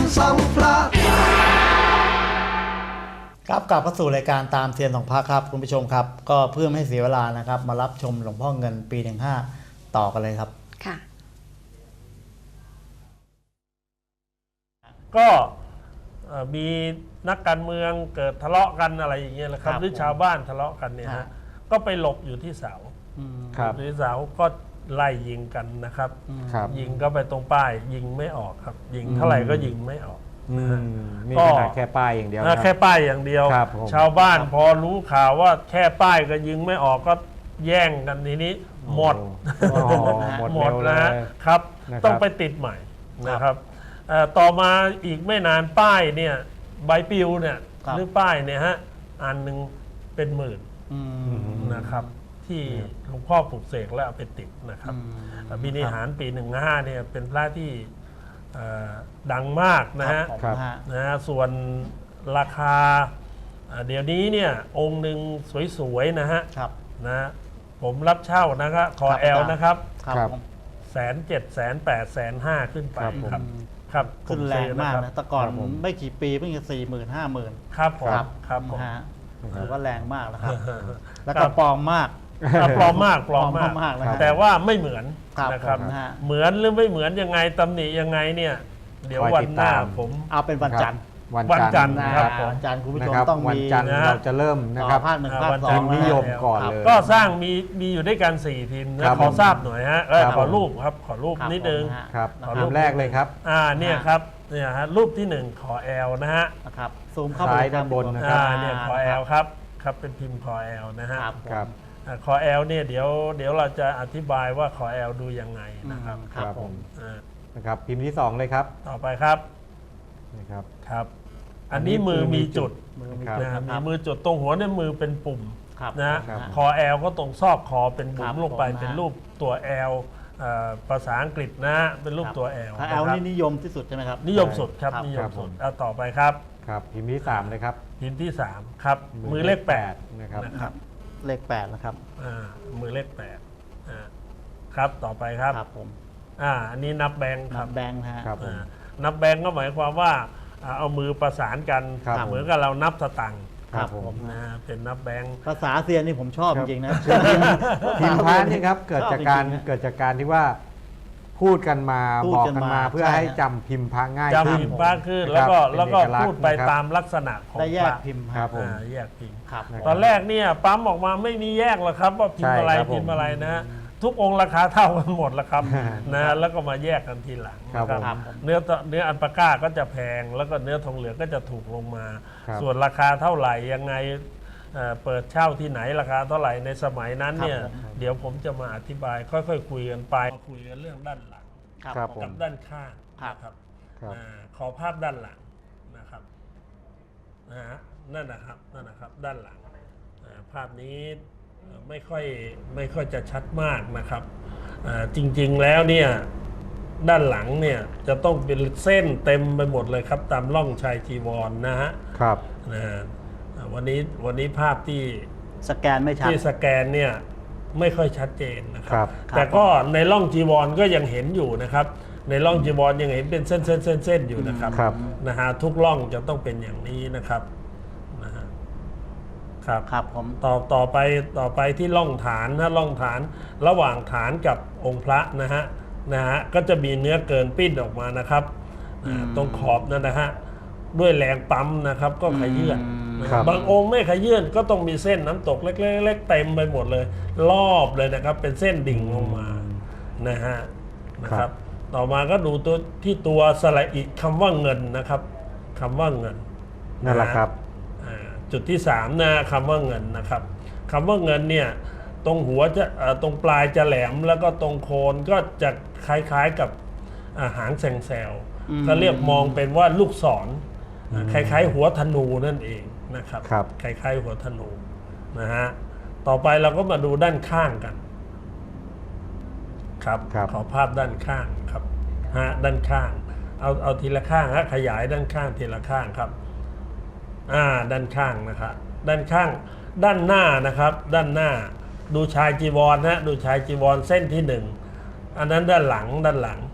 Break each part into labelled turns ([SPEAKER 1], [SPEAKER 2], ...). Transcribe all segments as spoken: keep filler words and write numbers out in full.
[SPEAKER 1] ส่องพระ
[SPEAKER 2] ครับกลับเข้าสู่รายการตามเซียนของพระครับคุณผู้ชมครับก็เพื่อไม่ให้เสียเวลานะครับมารับชมหลวงพ่อเงินปีหนึ่งห้าต่อกันเลยครับ
[SPEAKER 3] ค่ะ
[SPEAKER 4] ก็มีนักการเมืองเกิดทะเลาะกันอะไรอย่างเงี้ยแหละครับหรือชาวบ้านทะเลาะกันเนี่ยฮะก็ไปหลบอยู่ที่เสาหรือเสาก็ไล่ยิงกันนะครับยิงก็ไปตรงป้ายยิงไม่ออกครับยิงเท่าไหร่ก็ยิงไม่ออก
[SPEAKER 5] นี่ขนาดแค่ป้ายอย่างเดียว
[SPEAKER 4] แค่ป้ายอย่างเดียวชาวบ้านพอรู้ข่าวว่าแค่ป้ายก็ยิงไม่ออกก็แย่งกันทีนี้หมดหมดนะครับต้องไปติดใหม่นะครับต่อมาอีกไม่นานป้ายเนี่ยใบปลิวเนี่ยหรือป้ายเนี่ยฮะอันหนึ่งเป็นหมื่นนะครับที่หลวงพ่อปลุกเสกแล้วเอาไปติดนะครับบิณิหารปีหนึ่งห้าเนี่ยเป็นพระที่ดังมากนะฮะนะฮะส่วนราคาเดี๋ยวนี้เนี่ยองค์หนึ่งสวยๆนะฮะนะผมรับเช่านะครับคอแอลนะครับแสนเจ็ดแสนแปดแสนห้าขึ้นไปครับครับ
[SPEAKER 2] ขึ้นแรงมากนะแต่ก่อนไม่กี่ปีเพิ่งจะสี่หมื่นห้าหมื่น
[SPEAKER 4] ครับผมครับผม
[SPEAKER 2] ถือว่าแรงมากนะครับแล้วก็ปลอมมาก
[SPEAKER 4] ปลอมมากปลอมมากแต่ว่าไม่เหมือนนะครับเหมือนหรือไม่เหมือนยังไงตำหนิยังไงเนี่ยเดี๋ยววันหน้าผม
[SPEAKER 2] เอาเป็นวันจันทร์
[SPEAKER 4] วันจันทร์นะครับ
[SPEAKER 2] วันจันทร์คุณผู้ชมต้องมี
[SPEAKER 5] วันจันทร์เราจะเริ่มนะครับ
[SPEAKER 2] ภาคหนึ่งภาคสอง
[SPEAKER 5] นิยมก่อนเลย
[SPEAKER 4] ก็สร้างมีมีอยู่ด้วยกันสี่พิมพ์นะขอทราบหน่อยฮะขอรูปครับขอรูปนิดนึง
[SPEAKER 5] ครับขอรูปแรกเลยครับ
[SPEAKER 4] อ่าเนี่ยครับเนี่ยฮะรูปที่หนึ่งขอแอลนะฮะ
[SPEAKER 2] ครับซูมเข้า
[SPEAKER 5] ไปด้านบนนะครับ
[SPEAKER 4] เนี่ยขอแอลครับครับเป็นพิมพ์ขอแอลนะฮะ
[SPEAKER 5] ครับ
[SPEAKER 4] ขอแอลเนี่ยเดี๋ยวเดี๋ยวเราจะอธิบายว่าขอแอลดูยังไงนะครับ
[SPEAKER 5] ครับผมนะครับพิมพ์ที่สองเลยครับ
[SPEAKER 4] ต่อไปครับ
[SPEAKER 5] นะครับ
[SPEAKER 4] ครับอันนี้มือมีจุดนะมีมือจุดตรงหัวเนี่ยมือเป็นปุ่มนะคอแอลก็ตรงซอกคอเป็นบุ๋มลงไปเป็นรูปตัวแอลภาษาอังกฤษนะเป็นรูปตัวแอล
[SPEAKER 2] แอลนี่นิยมที่สุดใช่ไหมครับ
[SPEAKER 4] นิยมสุดครับนิยมสุดเอาต่อไปครับ
[SPEAKER 5] ครับพิมพ์ที่สามเลยครับ
[SPEAKER 4] พิมพ์ที่สามครับมือเลขแปด
[SPEAKER 5] นะครับ
[SPEAKER 2] เลขแปดนะครับ
[SPEAKER 4] อ่ามือเลขแปดอ่าครับต่อไปครับ
[SPEAKER 2] ครับผม
[SPEAKER 4] อ่าอันนี้นับแบงค์ครับ
[SPEAKER 2] แบงค์ฮะ
[SPEAKER 4] นับแบงค์ก็หมายความว่าเอามือประสานกันเหมือนกับเรานับสตังค์
[SPEAKER 2] ครับผม
[SPEAKER 4] นะเป็นนับแบงค์
[SPEAKER 2] ภาษาเซียนนี่ผมชอบจริงๆนะ
[SPEAKER 5] พิมพ์พระนี่ครับเกิดจากการเกิดจากการที่ว่าพูดกันมาบอกกันมาเพื่อให้จำพิมพ์พระง่าย
[SPEAKER 4] ขึ้นจำพิมพ์พระขึ้นแล้วก็แล้วก็พูดไปตามลักษณะของ
[SPEAKER 2] แยกพิมพ์
[SPEAKER 5] ครับผม
[SPEAKER 4] แยกพิมพ์ตอนแรกเนี่ยปั๊มออกมาไม่มีแยกหรอกครับว่าพิมพ์อะไรพิมพ์อะไรนะทุกองค์ราคาเท่ากันหมดแล้วครับนะแล้วก็มาแยกกันทีหลังครับเนื้อเนื้ออัลปาก้าก็จะแพงแล้วก็เนื้อทองเหลืองก็จะถูกลงมาส่วนราคาเท่าไหร่ยังไงเปิดเช่าที่ไหนราคาเท่าไหร่ในสมัยนั้นเนี่ยเดี๋ยวผมจะมาอธิบายค่อยๆคุยกันไปคุยกันเรื่องด้านหลังกับด้านข้างครับขอภาพด้านหลังนะครับนะฮะนั่นนะครับนั่นนะครับด้านหลังภาพนี้ไม่ค่อยไม่ค่อยจะชัดมากนะครับจริงๆแล้วเนี่ยด้านหลังเนี่ยจะต้องเป็นเส้นเต็มไปหมดเลยครับตามร่องชายจีวร นะฮะ
[SPEAKER 5] ครับ
[SPEAKER 4] นะวันนี้วันนี้ภาพที่
[SPEAKER 2] สแกนไม่ชัด
[SPEAKER 4] ที่สแกนเนี่ยไม่ค่อยชัดเจนนะครับแต่ก็ในร่องจีวรก็ยังเห็นอยู่นะครับในร่องจีวรยังเห็นเป็นเส้นเส้นเส้นเส้นอยู่นะครับนะฮะทุกร่องจะต้องเป็นอย่างนี้นะครับนะฮะครับ
[SPEAKER 2] ครับผม
[SPEAKER 4] ต่อต่อไปต่อไปที่ร่องฐานนะร่องฐานระหว่างฐานกับองค์พระนะฮะนะฮะก็จะมีเนื้อเกินปิ้นออกมานะครับตรงขอบนั่นนะฮะด้วยแรงปั๊มนะครับก็ขยื่นบางองค์ไม่ขยื่นก็ต้องมีเส้นน้ำตกเล็กๆเต็มไปหมดเลยรอบเลยนะครับเป็นเส้นดิ่งลงมานะฮะนะครับต่อมาก็ดูตัวที่ตัวสระอิคำว่าเงินนะครับคำว่าเงิน
[SPEAKER 5] นั่นแหละครับ
[SPEAKER 4] จุดที่สามนะคำว่าเงินนะครับคำว่าเงินเนี่ยตรงหัวจะตรงปลายจะแหลมแล้วก็ตรงโคนก็จะคล้ายๆกับหางแซงแซวเขาเรียกมองเป็นว่าลูกศรคล้ายๆหัวธนูนั่นเองนะครับคล้ายๆหัวธนูนะฮะต่อไปเราก็มาดูด้านข้างกันครับขอภาพด้านข้างครับฮะด้านข้างเอาเอาทีละข้างฮะขยายด้านข้างทีละข้างครับอ่าด้านข้างนะครับด้านข้างด้านหน้านะครับด้านหน้าดูชายจีวรนะดูชายจีวรเส้นที่หนึ่งอันนั้นด้านหลังด้านหลัง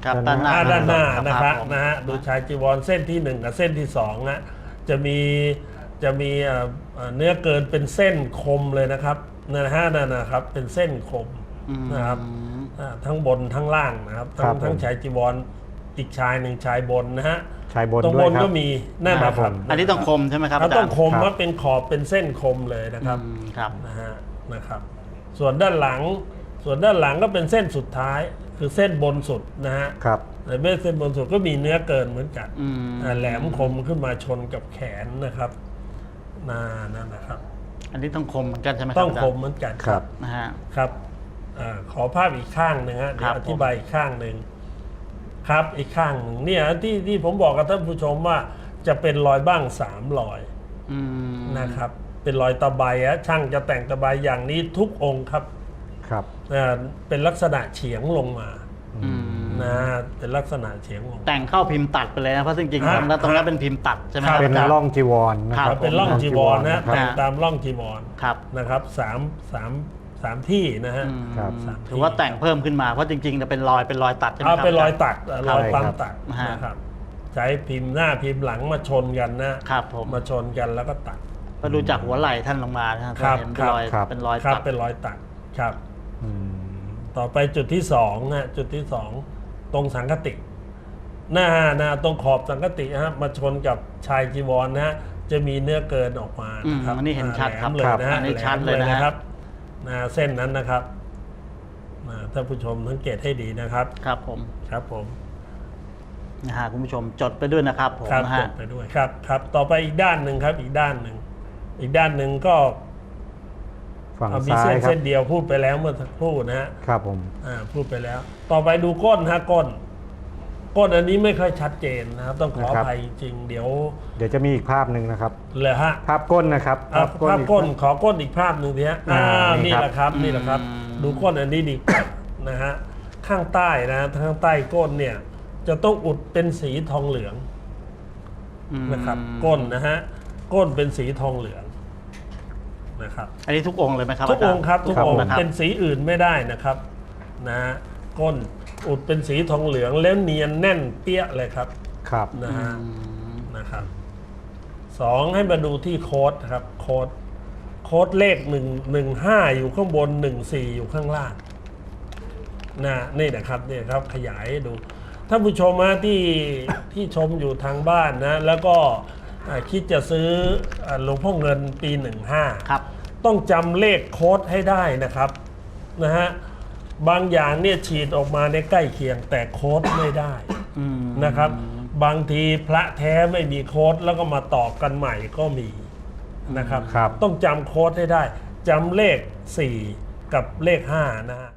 [SPEAKER 2] ครับด้านหน้า
[SPEAKER 4] อ่าด้านหน้า
[SPEAKER 2] ครับ
[SPEAKER 4] นะครับ
[SPEAKER 2] ผม
[SPEAKER 4] นะฮะดูชายจีวรเส้นที่หนึ่งกับเส้นที่สองนะจะมีจะมีเอ่อเอ่อเนื้อเกินเป็นเส้นคมเลยนะครับนะฮะนั่นนะครับเป็นเส้นคม
[SPEAKER 2] อืม
[SPEAKER 4] นะครับอ่าทั้งบนทั้งล่างนะครับ
[SPEAKER 5] ครั
[SPEAKER 4] ทั้
[SPEAKER 5] บ
[SPEAKER 4] งทั้ง
[SPEAKER 5] ผม
[SPEAKER 4] ชายจีวรอีกชายหนึ่งชายบนนะฮะ
[SPEAKER 5] ชายบน
[SPEAKER 4] ตรง
[SPEAKER 5] ด้
[SPEAKER 4] บ
[SPEAKER 5] วย
[SPEAKER 4] น
[SPEAKER 5] ครับ
[SPEAKER 4] ก็มีนั่น
[SPEAKER 5] ครั
[SPEAKER 4] นะ
[SPEAKER 5] บ
[SPEAKER 4] ครับ
[SPEAKER 5] ผม
[SPEAKER 2] อันนี้ต้องคมใช่ไหมครับ
[SPEAKER 4] เขาต้องคม
[SPEAKER 5] ครับ
[SPEAKER 4] ว่าเป็นขอบเป็นเส้นคมเลยนะครับ
[SPEAKER 2] อืมครับ
[SPEAKER 4] นะฮะนะครับ ส่วนด้านหลังส่วนด้านหลังก็เป็นเส้นสุดท้ายคือเส้นบนสุดนะฮะ
[SPEAKER 5] ครับ
[SPEAKER 4] ในเม็ดเส้นบนสุดก็มีเนื้อเกินเหมือนกัน
[SPEAKER 2] อืม
[SPEAKER 4] อ่าแหลมคมขึ้นมาชนกับแขนนะครับนานั่นนะครับ
[SPEAKER 2] อันนี้ต้องคมเหมือนกันใช่ไหมครับ
[SPEAKER 4] ต้อง
[SPEAKER 2] าจารย์
[SPEAKER 4] คมเหมือนกัน
[SPEAKER 5] ครับ
[SPEAKER 2] นะฮะ
[SPEAKER 4] ครับอาขอภาพอีกข้างหนึ่งฮะเดี๋ย
[SPEAKER 2] ครั
[SPEAKER 4] ว
[SPEAKER 2] บ
[SPEAKER 4] อธิบายอีกข้างหนึ่งครับอีกข้างหนึ่งเนี่ยที่ที่ผมบอกกับท่านผู้ชมว่าจะเป็นรอยบ้างสามรอย
[SPEAKER 2] อืม
[SPEAKER 4] นะครับ เป็นรอยตะไบฮะช่างจะแต่งตะไบอย่างนี้ทุกองค์ครับ
[SPEAKER 5] ครับ
[SPEAKER 4] อ่าเป็นลักษณะเฉียงลงมา
[SPEAKER 2] อืม
[SPEAKER 4] นะเป็นลักษณะเฉียงลงมา
[SPEAKER 2] แต่งเข้าพิมพ์ตัดไปเลยนะเพราะจริงๆ
[SPEAKER 4] ฮะ
[SPEAKER 2] ตรงนั้นตรงนั้นเป็นพิมพ์ตัดใช่ไหมครับ
[SPEAKER 5] เป็น
[SPEAKER 2] อาจารย์
[SPEAKER 5] ร่องจีวรนะค
[SPEAKER 2] ครั
[SPEAKER 5] รับ
[SPEAKER 2] บ
[SPEAKER 4] เป็นร่องจีวรนะ
[SPEAKER 5] ครั
[SPEAKER 4] แต่
[SPEAKER 5] บ
[SPEAKER 4] งตามร่องจีวร
[SPEAKER 2] ครับ
[SPEAKER 4] นะครับสามสามสามที่นะฮะ
[SPEAKER 2] อืม
[SPEAKER 5] ครับ
[SPEAKER 4] สามที่
[SPEAKER 2] ถือว่าแต่งเพิ่มขึ้นมาเพราะจริงๆจะเป็นรอยเป็นรอยตัดใช่ไหมค
[SPEAKER 4] เอา
[SPEAKER 2] รับ
[SPEAKER 4] เป็นรอย
[SPEAKER 2] าจา
[SPEAKER 4] ตัดเอ่อรอย
[SPEAKER 5] ใช่
[SPEAKER 4] ปั๊ม
[SPEAKER 5] ครับ
[SPEAKER 4] ตัด
[SPEAKER 2] ฮะ
[SPEAKER 4] นะครับใช้พิมพ์หน้าพิมพ์หลังมาชนกันนะครับ
[SPEAKER 2] ผม
[SPEAKER 4] มาชนกันแล้วก็ตัด
[SPEAKER 2] ก็ดูจากหัวไหล่ท่านลงมานะครับ
[SPEAKER 4] ครับ
[SPEAKER 2] เห็นเป็นรอย
[SPEAKER 5] ครับ
[SPEAKER 2] เป็นรอย
[SPEAKER 4] ครับ
[SPEAKER 2] ตัด
[SPEAKER 4] เป็นรอยตัดครับ
[SPEAKER 5] อืม
[SPEAKER 4] ต่อไปจุดที่สองนะจุดที่สองตรงสังคติ หน้าหน้าตรงขอบสังคติฮะมาชนกับชายจีวรนะฮะจะมีเนื้อเกินออกมานะครับ
[SPEAKER 2] อืมอันนี้เห็นชัดครับ
[SPEAKER 4] แหลมเลยนะฮะ
[SPEAKER 2] อันนี้ชัด
[SPEAKER 4] แหม
[SPEAKER 2] เลยนะฮะ
[SPEAKER 4] ครับนะเส้นนั้นนะครับนะท่านผู้ชมสังเกตให้ดีนะครับ
[SPEAKER 2] ครับผม
[SPEAKER 4] ครับผม
[SPEAKER 2] นะฮะคุณผู้ชมจดไปด้วยนะครับผม
[SPEAKER 4] ครับ
[SPEAKER 2] นะ
[SPEAKER 4] จ
[SPEAKER 2] ฮะ
[SPEAKER 4] ดไปด้วยครับครับ ต่อไปอีกด้านหนึ่งครับ อีกด้านหนึ่งอีกด้านหนึ่งก็
[SPEAKER 5] ฝั่ง
[SPEAKER 4] เอามี
[SPEAKER 5] ซ้า
[SPEAKER 4] เส้
[SPEAKER 5] ย
[SPEAKER 4] น
[SPEAKER 5] ครับ
[SPEAKER 4] เส้นเดียวพูดไปแล้วเมื่อสักครู่นะฮะ
[SPEAKER 5] ครับผม
[SPEAKER 4] อ่าพูดไปแล้ว ต่อไปดูก้นฮะก้น ก้นอันนี้ไม่ค่อยชัดเจนนะครับต้องขออภัยจริงเดี๋ยว
[SPEAKER 5] เดี๋ยวจะมีอีกภาพหนึ่งนะครับ
[SPEAKER 4] เลยฮะ
[SPEAKER 5] ภาพก้นนะครับ
[SPEAKER 4] อ่ะภาพก้น
[SPEAKER 5] อี
[SPEAKER 4] ขอก้นอีกภาพหนึ่งทีฮะอ่า
[SPEAKER 5] อ่านี่
[SPEAKER 4] นี่
[SPEAKER 5] ครับ
[SPEAKER 4] แหละครับนี่แหละครับ ดูก้นอันนี้ดีกว่านะฮะข้างใต้นะข้างใต้ก้นเนี่ยจะต้องอุดเป็นสีทองเหลือง
[SPEAKER 2] อืม
[SPEAKER 4] นะครับ ก้นนะฮะก้นเป็นสีทองเหลืองนะครับ
[SPEAKER 2] อันนี้ทุกองค์เลยไหมครับ
[SPEAKER 4] ทุกองค์ครับทุก
[SPEAKER 2] าจา
[SPEAKER 4] องค์
[SPEAKER 2] นะครับ
[SPEAKER 4] เป็นสีอื่นไม่ได้นะครับนะฮะก้นอุดเป็นสีทองเหลืองแล้วเนียนแน่นเปี้ยเลยครับ
[SPEAKER 5] ครับ
[SPEAKER 4] นะฮะ
[SPEAKER 2] อืม
[SPEAKER 4] นะครับสองให้มาดูที่โค้ดนะครับโค้ดโค้ดเลขหนึ่งหนึ่งห้าอยู่ข้างบนหนึ่งสี่อยู่ข้างล่างนะนี่นะครับนี่ครับขยายให้ดูท่านผู้ชมนะที่ที่ชมอยู่ทางบ้านนะแล้วก็อ่าคิดจะซื้ออ่าหลวงพ่อเงินปีหนึ่งห้า
[SPEAKER 2] ครับ
[SPEAKER 4] ต้องจำเลขโค้ดให้ได้นะครับนะฮะบางอย่างเนี่ยฉีดออกมาในใกล้เคียงแต่โค้ดไม่ได้
[SPEAKER 2] อืม
[SPEAKER 4] นะครับ บางทีพระแท้ไม่มีโค้ดแล้วก็มาต่อกันใหม่ก็มีนะครับ
[SPEAKER 5] ครับ
[SPEAKER 4] ต้องจำโค้ดให้ได้จำเลขสี่กับเลขห้านะฮะ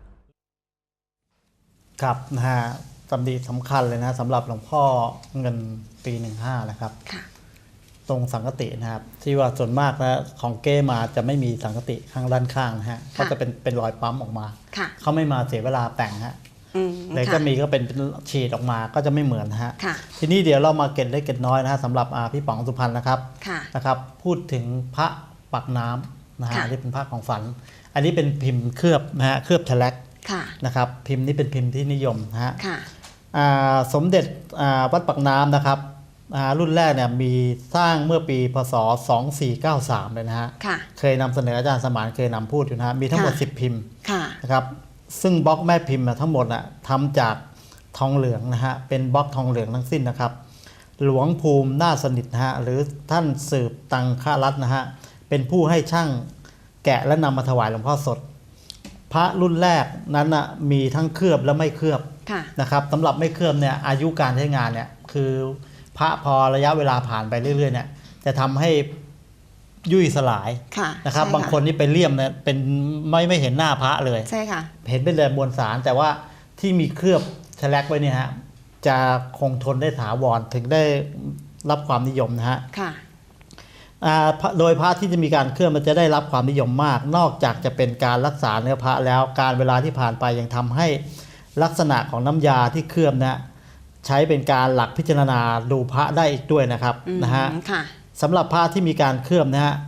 [SPEAKER 2] ครับนะฮะตำดีสำคัญเลยนะสำหรับหลวงพ่อเงินปีหนึ่งห้านะครับ
[SPEAKER 1] ค่ะ
[SPEAKER 2] ตรงสังกตินะครับ ที่ว่าส่วนมากนะของเก้มาจะไม่มีสังกติข้างด้านข้างนะฮะเขาจะเป็นเป็นรอยปั๊มออกมา
[SPEAKER 1] ค่ะ
[SPEAKER 2] เขาไม่มาเสียเวลาแต่งฮะ
[SPEAKER 1] อืม
[SPEAKER 2] เลย
[SPEAKER 1] ค่ะ
[SPEAKER 2] ก็มีก็เป็นเป็นฉีดออกมาก็จะไม่เหมือนนะฮะ
[SPEAKER 1] ค่ะ
[SPEAKER 2] ทีนี้เดี๋ยวเรามาเก็ตเล็กเก็ตน้อยนะฮะสำหรับอ่าพี่ป๋องสุพรรณนะครับ
[SPEAKER 1] ค่ะ
[SPEAKER 2] นะครับพูดถึงพระปักน้ำนะฮะ
[SPEAKER 1] ค่ะ
[SPEAKER 2] อันนี้เป็นพระของฝัน อันนี้เป็นพิมพ์เคลือบนะฮะเคลือบแฉลก
[SPEAKER 1] ค่ะ
[SPEAKER 2] นะครับพิมพ์นี้เป็นพิมพ์ที่นิยมนะฮะ
[SPEAKER 1] ค่ะ
[SPEAKER 2] อ่าสมเด็จอ่าวัดปักน้ำนะครับอ่ารุ่นแรกเนี่ยมีสร้างเมื่อปีพศสองสี่เก้าสามเลยนะฮะ
[SPEAKER 1] ค่ะ
[SPEAKER 2] เคยนำเสนออาจารย์สมานเคยนำพูดอยู่นะฮะมีทั้งหมด
[SPEAKER 1] ค่ะ
[SPEAKER 2] สิบพิมพ์
[SPEAKER 1] ค่ะ
[SPEAKER 2] นะครับซึ่งบล็อกแม่พิมพ์น่ะทั้งหมดน่ะทำจากทองเหลืองนะฮะเป็นบล็อกทองเหลืองทั้งสิ้นนะครับ หลวงภูมินาถสนิทนะฮะหรือท่านสืบตังครัตน์นะฮะเป็นผู้ให้ช่างแกะและนำมาถวายหลวงพ่อสด พระรุ่นแรกนั้นน่ะมีทั้งเคลือบและไม่เคลือบ
[SPEAKER 1] ค่ะ
[SPEAKER 2] นะครับสำหรับไม่เคลือบเนี่ยอายุการใช้งานเนี่ยคือพระพอระยะเวลาผ่านไปเรื่อยๆเนี่ยจะทำให้ยุ่ยสลาย
[SPEAKER 1] ค่ะ
[SPEAKER 2] นะครับ
[SPEAKER 1] ใช่
[SPEAKER 2] บางคนนี่ไปเลี่ยมเนี่ยเป็นไม่ไม่เห็นหน้าพระเลย
[SPEAKER 1] ใช่ค่ะ
[SPEAKER 2] เห็นเป็นแต่มวลสารแต่ว่าที่มีเคลือบแฉลกไว้เนี่ยฮะจะคงทนได้ถาวรถึงได้รับความนิยมนะฮะ
[SPEAKER 1] ค่ะ
[SPEAKER 2] อ่าพระโดยพระที่จะมีการเคลือบมันจะได้รับความนิยมมาก นอกจากจะเป็นการรักษาเนื้อพระแล้วการเวลาที่ผ่านไปยังทำให้ลักษณะของน้ำยาที่เคลือบนะใช้เป็นการหลักพิจารณาดูพระได้อีกด้วยนะครับ
[SPEAKER 1] อืม
[SPEAKER 2] นะฮะ
[SPEAKER 1] ค่ะ
[SPEAKER 2] สำหรับพระที่มีการเคลือบนะฮะ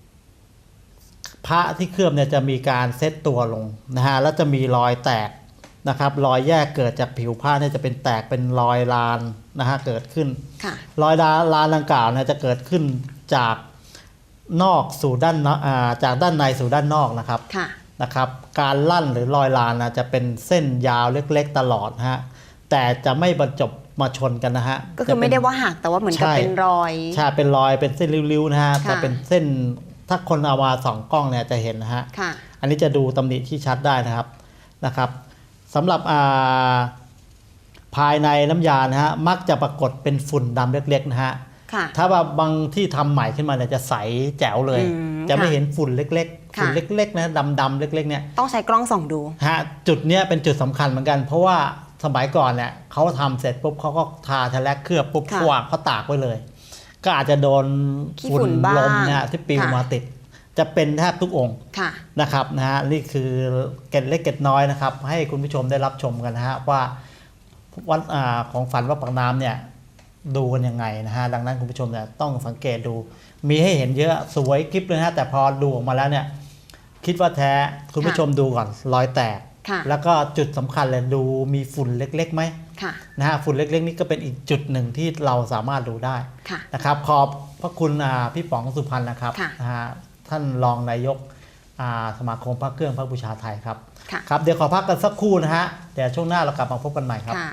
[SPEAKER 2] พระที่เคลือบเนี่ยจะมีการเซตตัวลงนะฮะแล้วจะมีรอยแตกนะครับรอยแยกเกิดจากผิวผ้าเนี่ยจะเป็นแตกเป็นรอยลานนะฮะเกิดขึ้น
[SPEAKER 1] ค่ะ
[SPEAKER 2] รอยลานลานดังกล่าวเนี่ยจะเกิดขึ้นจากนอกสู่ด้านนอกอ่าจากด้านในสู่ด้านนอกนะครับ
[SPEAKER 1] ค่ะ
[SPEAKER 2] นะครับการลั่นหรือรอยลานนะจะเป็นเส้นยาวเล็กๆตลอดนะฮะแต่จะไม่บรรจบมาชนกันนะฮะ
[SPEAKER 1] ก็คือไม่ได้ว่าหักแต่ว่าเหมือนกับ
[SPEAKER 2] ใช่
[SPEAKER 1] เป็นรอย
[SPEAKER 2] ใช่เป็นรอยเป็นเส้นริ้วๆนะฮะ
[SPEAKER 1] ค่ะ
[SPEAKER 2] แต่เป็นเส้นถ้าคนเอามาส่องกล้องเนี่ยจะเห็นนะฮะ
[SPEAKER 1] ค่ะ
[SPEAKER 2] อันนี้จะดูตำหนิที่ชัดได้นะครับนะครับสำหรับอ่าภายในน้ำยานะฮะมักจะปรากฏเป็นฝุ่นดำเล็กๆนะฮะ
[SPEAKER 1] ค่ะ
[SPEAKER 2] ถ้าว่าบางที่ทำใหม่ขึ้นมาเนี่ยจะใสแจ๋วเลย
[SPEAKER 1] อืม
[SPEAKER 2] จะไม่
[SPEAKER 1] ค่ะ
[SPEAKER 2] เห็นฝุ่นเล็กๆ
[SPEAKER 1] ค่ะ
[SPEAKER 2] ฝุ่นเล็กๆนะดำๆเล็กๆเนี่ย
[SPEAKER 1] ต้องใช้กล้องส่องดู
[SPEAKER 2] ฮะจุดเนี้ยเป็นจุดสำคัญเหมือนกัน เพราะว่าสมัยก่อนเนี่ยเขาทำเสร็จปุ๊บเขาก็ทาแทแลกเคลือบปุ๊บ
[SPEAKER 1] ค่ะ
[SPEAKER 2] วางเขาตากไว้เลย ก็อาจจะโดน
[SPEAKER 1] ขี้ฝุ่นบ้าง
[SPEAKER 2] ลมเนี่ยที่ปลิว
[SPEAKER 1] ค่ะ
[SPEAKER 2] มาติด จะเป็นแทบทุกองค์
[SPEAKER 1] ค่ะ
[SPEAKER 2] นะครับนะฮะนี่คือเกร็ดเล็กเกร็ดน้อยนะครับให้คุณผู้ชมได้รับชมกันนะฮะว่าวัดอ่าของฝันวัดปากน้ำเนี่ยดูกันยังไงนะฮะดังนั้นคุณผู้ชมเนี่ยต้องสังเกตดู มีให้เห็นเยอะสวยคลิปเลยนะฮะแต่พอดูออกมาแล้วเนี่ยคิดว่าแท้คุณผู้ชมดูก่อนรอยแตก
[SPEAKER 1] ค่ะ
[SPEAKER 2] แล้วก็จุดสำคัญเลยดูมีฝุ่นเล็กๆไหม
[SPEAKER 1] ค่ะ
[SPEAKER 2] นะฮะฝุ่นเล็กๆนี่ก็เป็นอีกจุดหนึ่งที่เราสามารถดูได้
[SPEAKER 1] ค่ะ
[SPEAKER 2] นะครับขอบพระคุณอ่าพี่ป๋องสุพรรณนะครับ
[SPEAKER 1] ค่ะ
[SPEAKER 2] นะฮะท่านรองนายกอ่าสมาคมพระเครื่องพระบูชาไทยครับ
[SPEAKER 1] ค่ะ
[SPEAKER 2] ครับเดี๋ยวขอพักกันสักครู่นะฮะเดี๋ยวช่วงหน้าเรากลับมาพบกันใหม่ครับ
[SPEAKER 1] ค่ะ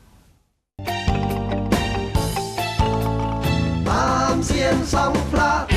[SPEAKER 3] ตามเสียงสัมพระ